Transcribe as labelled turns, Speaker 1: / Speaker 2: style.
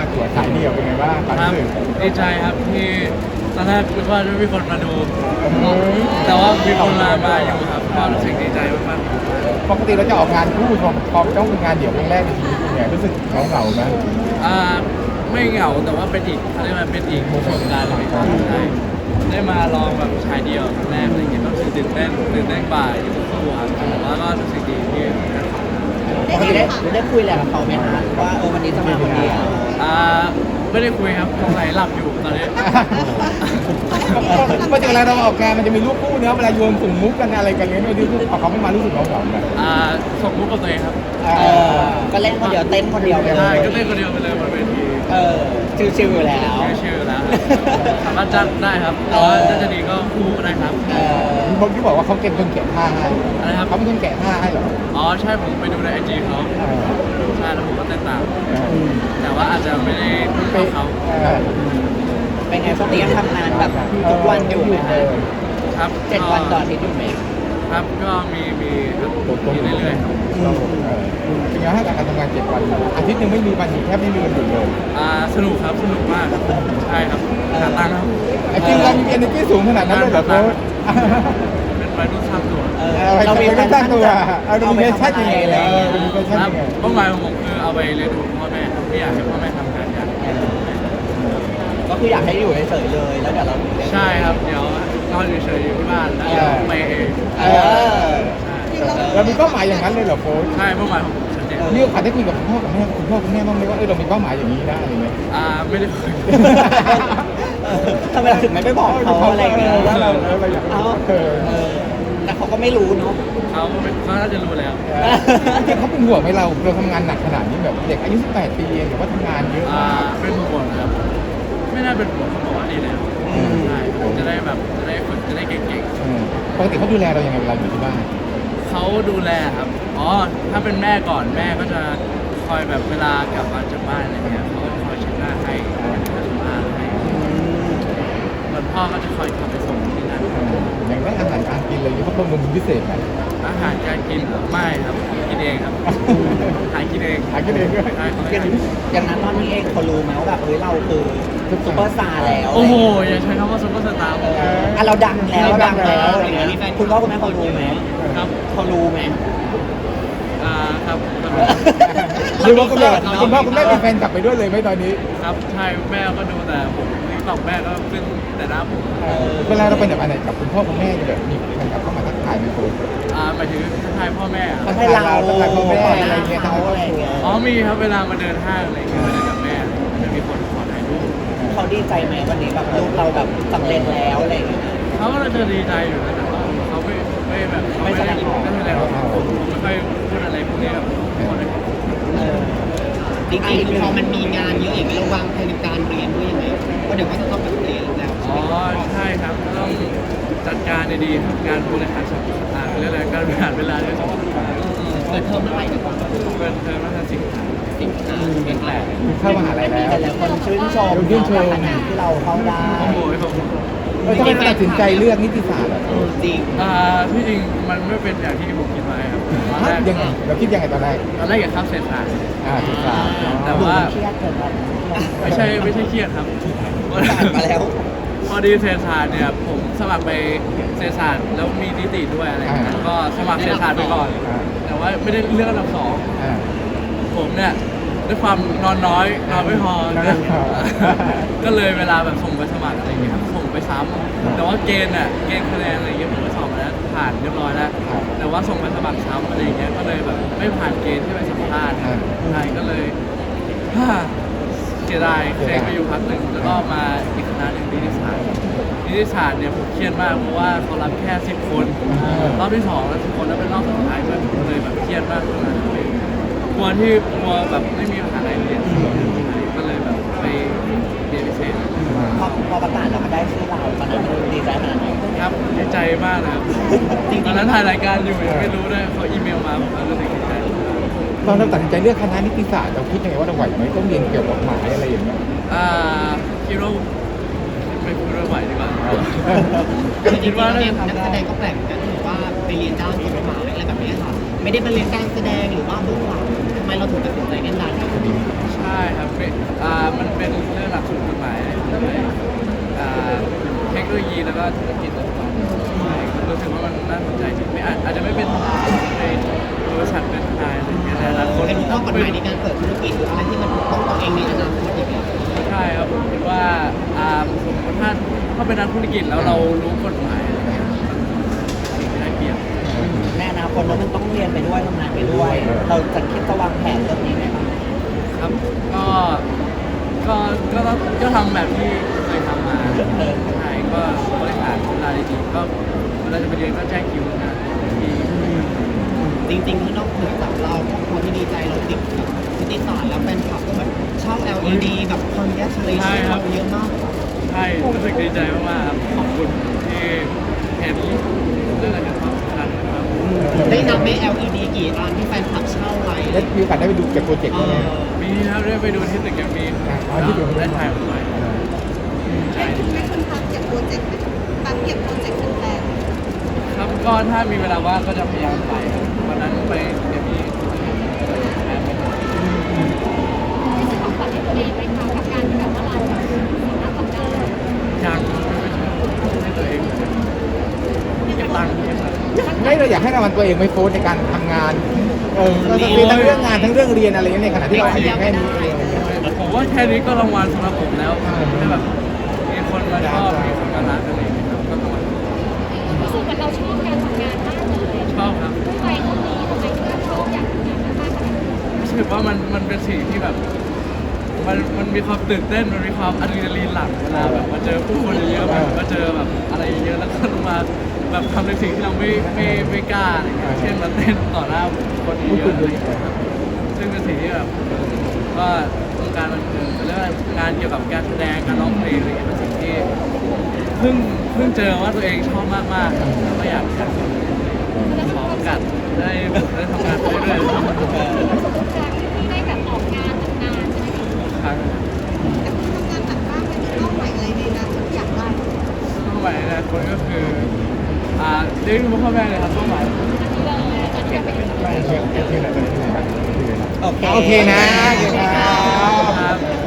Speaker 1: ตั๋วฉายเดี่ยวเป็นไงบ้างความ
Speaker 2: ครับ
Speaker 1: รู้สึก
Speaker 2: ดีใจครับที่ตอนแรกคิดว่าจะไม่มีคนมาดู แต่ว่ามีคนมาอยู่ครับก็รู้สึกดีใจมาก
Speaker 1: ปกติเราจะออกงานคู่พอต้องเป็นงานเดี่ยวครั้งแรกในชีวิตเนี่ยรู้สึกเหงาไหม
Speaker 2: ๆไม่เหงาแต่ว่าเป็นอีกเขาเรียกว่าเป็นอีกประสบการณ์เลยครับได้มาลองแบบชายเดียวครั้งแรกอะไรอย่างเงี้ยก็รู้สึกตื่นเต้นกว่าอยู่คู่ครับแต่ว่าก็รู้สึกดีที่ได้ทำ
Speaker 3: ปกติได้คุยอะไรกับเขาไหมคะว่าวันนี้จะมาคนเดียว
Speaker 2: ไม่ได้คุยครับสงสัยหลับอยู่ตอนนี้
Speaker 1: ปกติเวลาเราออกงานมันจะมีรูปคู่เนื้อะเวลาโยนสุ่มมุกกันอะไรกันเงี้ยไม่รู้พอเขาไม่มารู้สึกเหงาๆนะ
Speaker 2: ส่งมุกกับตัวเองครับ
Speaker 3: ก็เล่นคนเดียวเต้นคนเดียวไปเล
Speaker 2: ใช่
Speaker 3: ย
Speaker 2: ก็เต้นคนเดียวไปเลยบนเวที
Speaker 3: ชิวๆอยู่แล้ว
Speaker 2: ชื่อแล้วสามารถจ้างได้ครับแต่ว่าถ้าจะดีก็คู่ก็ได้ครับ
Speaker 1: บางที่บอกว่าเขาเก็บคนแกะผ้าให้
Speaker 2: อะไรครับ
Speaker 1: เขาเป็นคนแกะผ้าให้เหรอ
Speaker 2: อ๋อใช่ผมไปดูในไอจีเขาใช่แล้วผมก็เต้นตาม แต่ว่าอาจจะไม่ได้เท่าเขา
Speaker 3: เป็นไงช่วงนี้ยังทำงานแบบทุกวันอยู่ไหมคะ
Speaker 2: ครับ
Speaker 3: 7 วันต่ออาทิตย์อยู่ไหม
Speaker 2: ครับก็มีครับมีเรื่อยๆครับ
Speaker 1: เป็นไงให้การทำงาน7 วันอาทิตย์หนึงไม่มีวันหยุดแทบไม่มีวันหยุดเลย
Speaker 2: สนุกครับสนุกมากใช่ครับหาตังค์ครับ
Speaker 1: ไอ้จริงเรามี energy สูงขนาดนั้นเลยเหรอโค้ช
Speaker 2: เป็นวัยรุ่นสร้างตัว
Speaker 1: เรามีแพชชั่นตัวเรามีแพชชั่นยังไงเลยเรามีแพชชั่น
Speaker 2: ครับ
Speaker 1: ยังไง
Speaker 2: เป้าหมายของผมคือเอาไปเลี้ยงดูพ่อแม่ครับไม่อยากให้พ่อแม่ทำงานยาก
Speaker 3: ก็คืออยากให้อยู่เฉยๆเลยแล้วเดี๋ยวเรา
Speaker 2: ใช่ครับเดี๋ยวนอนเฉยๆอยู่ที่บ้านแล้วเดี๋ยวไปเอง
Speaker 3: เออ
Speaker 1: เรามีเป้าหมายอย่างนั้นเลยเหรอโค้ช
Speaker 2: ใช่เป้าหมายของผมชัดเจน
Speaker 1: มีโอกาสได้คุยกับคุณพ่อกับแม่บ้างไหมว่าเรามีเป้าหมายอย่างนี้นะอะไรเงี้ย
Speaker 2: ไม่ได้คุย
Speaker 3: ทำไมเราถึงไม่ไปบอกเขาอะไรอย่างเงี้ย
Speaker 1: ว่าเราอยาก
Speaker 3: แต่เขาก็ไม่รู้เนาะ
Speaker 2: เขาน่าจะรู้แล้ว
Speaker 1: จริงเขาเป็นห่วงไหมเราทำงานหนักขนาดนี้แบบเด็กอายุ18 ปีเองแต่ว่าทำงานเยอะ
Speaker 2: เป็นห่วงครับไม่น่าเป็นห่วงเขาบอกว่าดีแล้วใช่จะได้แบบจะได้ฝึกจะได้เก่งๆ
Speaker 1: ปกติเขาดูแลเรายังไงเวลาอยู่ที่บ้าน
Speaker 2: เขาดูแลครับ อ๋อ ถ้าเป็นแม่ก่อนแม่ก็จะคอยแบบเวลากลับมาจากบ้านอะไรเงี้ยเขาก็จะคอยเช็ดหน้าให้ทำบ้านให้ส่วนพ่อก็จะคอยขับไปส่งที่นั่น
Speaker 1: อย่างได้อาหารการกินเลยเขาบำรุงพิเศษไหม
Speaker 2: อาหารการกินเหรอไม่ครับ กินเองครับหากินเอง
Speaker 1: หากินเองด้วย
Speaker 2: ใช่เขาให้
Speaker 3: อย่างนั้นตอนนี้เองเขารู้ไหมว่าแบบเราคือซุปเปอร์สตาร์แล้ว
Speaker 2: โอ้โห อย่าใช้คำว่าซุปเปอร์สตาร์
Speaker 3: เราดังแล้วอะไรอย่างเงี้ยคุณพ่อคุณแม่เขารู้ไหม
Speaker 2: ครับ
Speaker 3: เขารู้ไหม
Speaker 2: ครับ
Speaker 1: หรือว่าคุณพ่อคุณแม่เป็นแฟนกลับไปด้วยเลยไหมตอนนี้
Speaker 2: ครับใช่แม่ก็ดูแต่ผมนี่ตอกแม่ก็ขึ้นแต่หน้าผม
Speaker 1: เวลาเราไปไหนกับคุณพ่อคุณแม่แบบมีแฟนกลับเข้ามาทักทายไหมคุณ
Speaker 2: หมายถึงทักทายพ่อแม่อะ
Speaker 3: เขาให้เรา
Speaker 1: ทักทายพ่อแม่อะไรเงี้ย
Speaker 3: เขาอะไรเงี้ย
Speaker 2: อ๋อมีครับเวลามาเดินห้างอะไรอย่างเงี้ยมาเดินกับแม่จะมีคนขอถ่ายรูป
Speaker 3: เขาดีใจไหมวันนี้แบบลูกเราแบบสำเร็จแล้วอะไรอย่างเงี้ย
Speaker 2: เขาก็จะดีใจอยู่นะแต่ว่าเขาไม่แบบเขาไม่ได้ไม่แสดงออกผมไม่ค่อยพูดอะไรพวกนี้แบบคนในครอบครัว
Speaker 3: จริงๆพอมันมีงานเยอะอย่างนี้เราวางแผนการเรียนด้วยยังไงเพราะเดี๋ยวก็จะต้องแบบเรียนแล้ว
Speaker 2: อ๋อใช่ครับต้องจัดการดีๆครับงานบริหารจัดการเรื่องอะไรการบริหารเวลาด้วยสำคัญ
Speaker 3: เปิดเทอมเมื่อไหร่ดีกว่า
Speaker 2: เป็นเทอมน่าจะสิงหา
Speaker 3: สิงหาเป็นแหละ
Speaker 1: เข้ามหาลัยแล้ว
Speaker 3: แต่ละคนชื่นชมขนาดที่เราเข้าได้
Speaker 2: โอ้โหผม
Speaker 1: ทำไมตัดสินใจเลือกนิติศาสตร์อ่ะ
Speaker 3: จริง
Speaker 2: ที่จริงมันไม่เป็นอย่างที่ผมคิดไว้ครับตอนแรก
Speaker 1: ยังไงเราคิดยังไงตอนแรก
Speaker 2: อยากเข้าเศรษฐศาสตร์
Speaker 1: นิติศาสตร์
Speaker 2: แต่ว่า
Speaker 3: เครียดเกินไป
Speaker 2: ไม่ใช่เครียดครับ
Speaker 3: ผ่านมาแล้ว
Speaker 2: พอดีเศรษฐศาสตร์เนี่ยผมสมัครไปเศรษฐศาสตร์แล้วมีนิติด้วยอะไรอย่างเงี้ยก็สมัครเศรษฐศาสตร์ไปก่อน แต่ว่าไม่ได้เลือกอันดับสองผมเนี่ยด้วยความนอนน้อยนอนไม่พอนะก็เลยเวลาแบบส่งไปสมัครอะไรอย่างเงี้ยครับส่งไปซ้ำแต่ว่าเกณฑ์คะแนนอะไรอย่างเงี้ยผมไปสอบมาแล้วผ่านเรียบร้อยแล้วแต่ว่าส่งไปสมัครซ้ำอะไรอย่างเงี้ยก็เลยแบบไม่ผ่านเกณฑ์ที่ไปสัมภาษณ์ใช่ก็เลยเสียดายเซ็งไปอยู่พักหนึ่งแล้วก็มาอีกคณะหนึ่งนิติศาสตร์เนี่ยผมเครียดมากเพราะว่าเขารับแค่10 คนรอบที่2แล้ว10 คนแล้วเป็นรอบสุดท้ายด้วยผมเลยแบบเครียดมากขนาดนั้นเลยกลัวแบบไม่มีมหาลัยเรียนก็เลยแบบไปเรียนพิเศษ
Speaker 3: พอประกาศเราก็ได้ชื่อเราตอนนั้นดีใจขนาดไหน
Speaker 2: ครับดีใจมากเลยครับตอนนั้นถ่ายรายการอยู่ยังไม่รู้ด้วยเขาอีเมลมาผมก็รู้สึกดีใจ
Speaker 1: ตอนเราตัดสินใจเลือกคณะนิติศาสตร์เราคิดยังไงว่าเราไหวไหมต้องเรียนเกี่ยวกับกฎหมายอะไรอย่างเงี้ย
Speaker 2: คิดว่าไม่พูดว่าไหวดีกว่า
Speaker 3: คิดว่านักแสดงก็แปลกเหมือนกันถือว่าไปเรียนด้านกฎหมายอะไรแบบนี้ค่ะไม่ได้ไปเรียนการแสดงหรือว่าเบื้องหลังทำไมเราถึงตัดสินใจเล่นด้านนี้
Speaker 2: ใช่ใช่ครับมันเป็นเรื่องหลักสูตรกฎหมายเลยเทคโนโลยีแล้วก็ธุรกิจต่างๆใช่รู้สึกว่ามันน่าสนใจจริงไม่อาจจะไม่เป็นในบริษัทเป็นทนายอะไรอย่างเงี้ยแต่ละคน
Speaker 3: เป็นข้อกฎหมายในการเปิดธุรกิจหรืออะไรที่มันถูกต้องตัวเองในอนาคตอย่างเงี้ย
Speaker 2: ใช่ครับผมคิดว่าสมมติถ้าเป็นนักธุรกิจแล้วเรารู้กฎหมายอะไรเงี้ยสิ่งที่ได้เปรียบ
Speaker 4: ในอนาคตแล้วมันต้องเรียนไปด้วยทำงานไปด้วย เราจะคิดจะวางแผนเรื่องนี้ไหมครับ
Speaker 2: ครับก็ทำแบบที่เคยทำมาใช่ก็บริหารเวลาดีๆก็เวลาจะไปเรียนก็แจ้งคิวนะที่
Speaker 3: จริงๆข้างนอกเหนือจากเราครอบครัวที่ดีใจเราติดกับนิติศาสตร์แล้วแฟนคลับก็แบบเช่า LED กับ congratulation เราเยอะมาก
Speaker 2: ใช่รู้สึกดีใจมากๆครับขอบคุณที่เห็นเรื่องอะไรความสำคัญนะครับ
Speaker 3: ได้นับไหม LED กี่อันที่แฟนคลับเช่าไว้
Speaker 1: ได้มีโอกาสได้ไปดูกับโปรเจกต์ไหม
Speaker 2: มีครับได้ไปดูที่ตึกแกรมมี่ได้ถ่ายรูปไว้
Speaker 5: ให้คนทำเก็บโปรเจกต์ตามเก็บโปรเจกต์แฟน
Speaker 2: ครับก็ถ้ามีเวลาว่างก็จะพยายามไปครับวันนั้นไปแกรมมี่
Speaker 5: ที่จะของขวัญให้ตัวเองไหมคะกับการที่แบบว่าเราแบบสามารถทำได้
Speaker 2: อยากให้ตัวเองเก็บตังค์
Speaker 1: ไม่เราอยากให้รางวัลตัวเองไม่โฟกัสในการทำงานก็จะมีทั้งเรื่องงานทั้งเรื่องเรียนอะไรอย่างเงี้ยในขณะที่เราอายุแค่นี้เอง
Speaker 2: ผมว่าแค่นี้ก็รางวัลสำหรับผมแล้วให้แบบมีคนมาชอบมีคนมารักอะไรอย่างเงี้ยครับก็รางวัล
Speaker 5: รู้สึกเหมือนเราชอบการทำงานมากเลย
Speaker 2: ชอบครับ
Speaker 5: ทำไมต้องมีทำไมถึงชอบอยากทำงานมากขนาดนี้
Speaker 2: รู้สึกว่ามันเป็นสิ่งที่แบบมันมีความตื่นเต้นมันมีความอะดรีนาลีนหลั่งเวลาแบบมาเจอผู้คนเยอะๆแบบมาเจอแบบอะไรเยอะแล้วก็มาแบบทำในสิ่งที่เราไม่กล้าอะไรเงี้ยเช่นมาเต้นต่อหน้าคนเยอะๆอะไรเงี้ยครับซึ่งเป็นสิ่งที่แบบก็วงการบันเทิงเรื่องงานเกี่ยวกับการแสดงการร้องเพลงอะไรเงี้ยเป็นสิ่งที่เพิ่งเจอว่าตัวเองชอบมากๆแล้วก็อยากขอโอกาสได้ทำงานไปเรื่อย
Speaker 5: ประสบการณ์ที่ได้แบบออกงานทำงานใช่ไหมคะ
Speaker 2: ๆครั้ง
Speaker 5: แต่คุณทำงานหนักมากเป็นเป้าหมายอะไรในอนาคตที่อยากได้
Speaker 2: เป้าหมายในอนาคตก็คือเลี้ยงดูพ่อแม่เลยครับเป้าหมาย
Speaker 5: อันนี้เลยอันนี้เป็น
Speaker 1: โอเคนะ
Speaker 2: ครับ